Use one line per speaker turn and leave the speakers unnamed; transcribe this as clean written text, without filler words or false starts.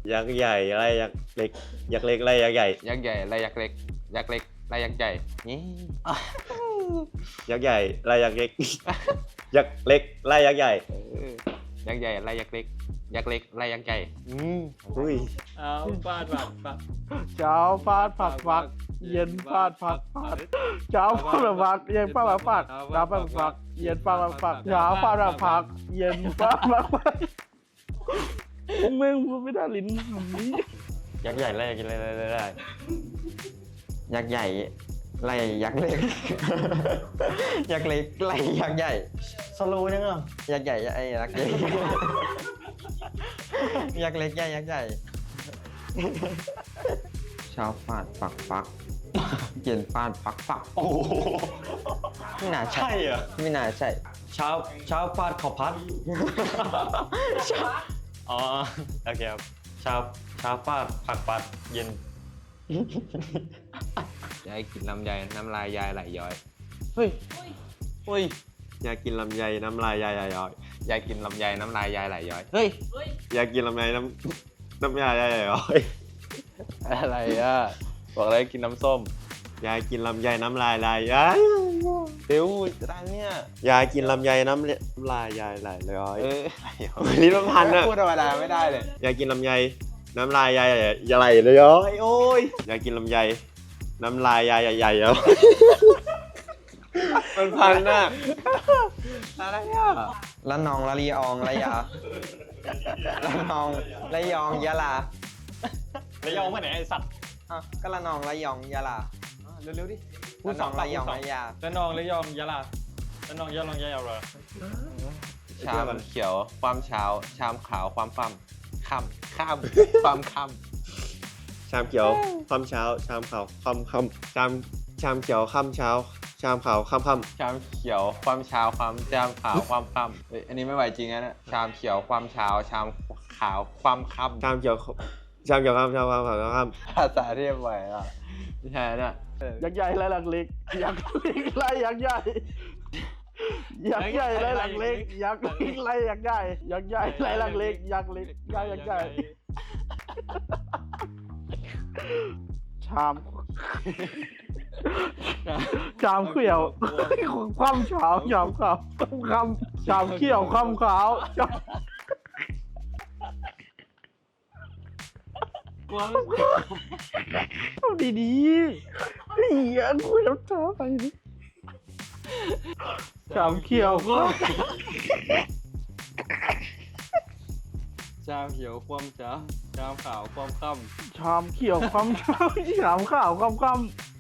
ยักษ์ใหญ่ไล่ยักษ์เล็กยักษ์เล็กไล่ยักษ์ใหญ่
ยักษ์ใหญ่ไล่ยักษ์เล็กยักษ์เล็กไล่ยักษ์ใหญ่นี่
ยักษ์ใหญ่ไล่ยักษ์เล็กยักษ์เล็กไล่ยักษ์ใหญ่
ยักษ์ใหญ่ไล่ยักษ์เล็กยักษ์เล็กไล่ยักษ์ใหญ่
อุ้ย
เอาฟาดผักปัก
เช้าฟาดผักฟักเย็นฟาดผักฟักเช้าฟาดผักเย็นฟาดผักฟักเช้าฟาดผักเย็นฟาดผักฟักเช้าฟาดผักเย็นฟาดผักฟักมึงพูดไม่ได้ลิ้นคำนี้
ยักษ์ใหญ่ไล่ยักษ์เล็กไล่
ยักษ์ใหญ่ไล่ยักษ์เล็ก ยักษ์เล็กไล่ยักษ์ใหญ่สโลว์จังอ่ะยักษ์ใหญ่ไอ้ยักษ์ใหญ่ ยักษ์เล็กใหญ่ยักษ์ใหญ่เช้าฟาดปักปักเย็นฟาดปักปัก
โอ้โห
ไม่น่าใช่
ใช่เหรอ
ไม่น่าใช่
เช้าฟาดขอพัดอ๋อโอเคครับเช้าฟาดผักปัดเย็น
ยายกินลำไยน้ำลายยายไหลย้อย
เฮ้ยอยากกินลำไยน้ำลายยายย้อย
ยายกินลำไยน้ำลายยายไหลย้อยเฮ้ย
อยากกินลำไยน้ำยายยายย้อย
อะไรอ่ะบอกเลยกินน้ำส้ม
อยากกินลำไยน้ำลายยาย
เดี๋ยวจะได้เนี่ย
อยากกินลำไยน้ำลายยายไหลย้อย
ลิ้
ลิ้นมันพันอะ
พูดธรรมดาไม่ได้เลย
อยากกินลำไยน้ำลายยายไหลเลยย้อยโอ้ยอยากกินลำไยน้ำลายยายใหญ่ๆย้อยมันพันน่ะ
อะไรอ่ะ
ละนองละลีอองละยาละนองละยองยะลา
ระยองมาไหนไอสัตว์
อ่ะก็ละนองละยองยะลา
เร็วๆดิ
ละนองละยองละยา
ระนองระยองยะลาระนองยะลองยะลา
ชามเขียวความเช้าชามขาวความค่ำข้ามความค่
ชามเขียวค่ำเช้าชามขาวค่ำชามเขียวค่ำเช้าชามขาวค่ำ
ำชามเขียวความเช้าความชามขาวความค่ำเฮ้ยอันนี้ไม่ไหวจริงนะเนี่ยชามเขียวความเช้าชามขาวความค่
ชามเขียวค่ำชามขาวค่
ำภาษาเรียบไหวอ่ะไม่ใช่เนี่ย
ยักษ์ใหญ่ไล่หลักเล็กยักษ์เล็กไล่ยักษ์ใหญ่ยักษ์ใหญ่ไล่หลักเล็กยักษ์เล็กไล่ยักษ์ใหญ่ยักษ์ใหญ่ไล่หลักเล็กยักษ์เล็กไล่ยักษ์ใหญ่ชามเขียวความเช้าชามขาวชามเขียวความขาวชามดีๆเฮียคุยแล้วช้าไปนี่ชามเขียวก็
ชามเขียวความจ้าชามขาวความค่
ชามเขียวความเช้าชามขาวความค่ำ